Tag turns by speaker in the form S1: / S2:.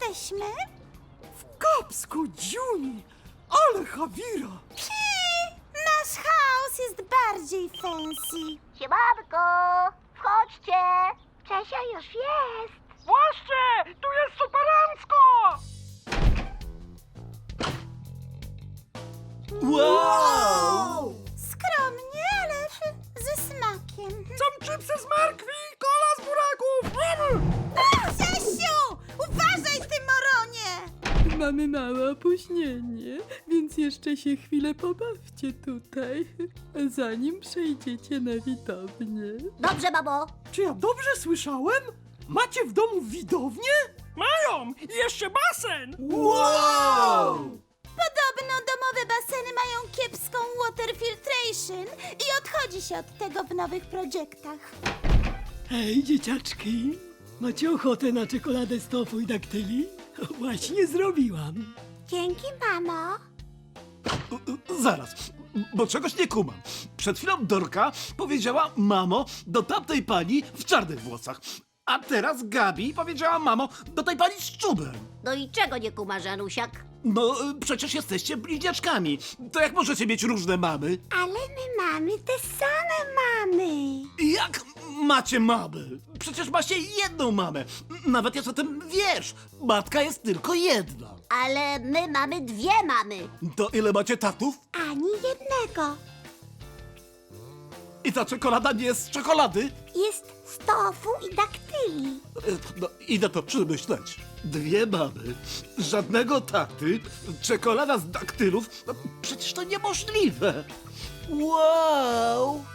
S1: jesteśmy?
S2: Kapsko, Juni! Ale Hawira!
S1: Nasz chaos jest bardziej fancy.
S3: Siemanko, wchodźcie. Czesia już jest.
S2: Właśnie! Tu jest superancko! Wow!
S1: Skromnie, ale ze smakiem.
S2: Są chipsy z markwi, kola z buraków!
S1: Czesiu! Uważaj, ty moronie!
S4: Mamy małe opóźnienie, więc jeszcze się chwilę pobawcie tutaj, zanim przejdziecie na widownię.
S3: Dobrze, mamo.
S2: Czy ja dobrze słyszałem? Macie w domu widownię? Mają! I jeszcze basen! Wow!
S1: Podobno domowe baseny mają kiepską water filtration i odchodzi się od tego w nowych projektach.
S5: Hej, dzieciaczki! Macie ochotę na czekoladę z tofu i daktyli? Właśnie zrobiłam.
S1: Dzięki, mamo.
S6: Zaraz, bo czegoś nie kumam. Przed chwilą Dorka powiedziała mamo do tamtej pani w czarnych włosach. A teraz Gabi powiedziała mamo do tej pani z czubem.
S3: No i czego nie kumasz, Anusiak?
S6: No, przecież jesteście bliźniaczkami. To jak możecie mieć różne mamy?
S1: Ale my mamy te same mamy.
S6: Jak macie mamy? Przecież macie jedną mamę. Nawet jest o tym wiersz. Matka jest tylko jedna.
S3: Ale my mamy dwie mamy.
S6: To ile macie tatów?
S1: Ani jednego.
S6: I ta czekolada nie jest z czekolady?
S1: Jest z tofu i daktyli.
S6: No, idę to przemyśleć. Dwie mamy, żadnego taty, czekolada z daktylów. No, przecież to niemożliwe. Wow!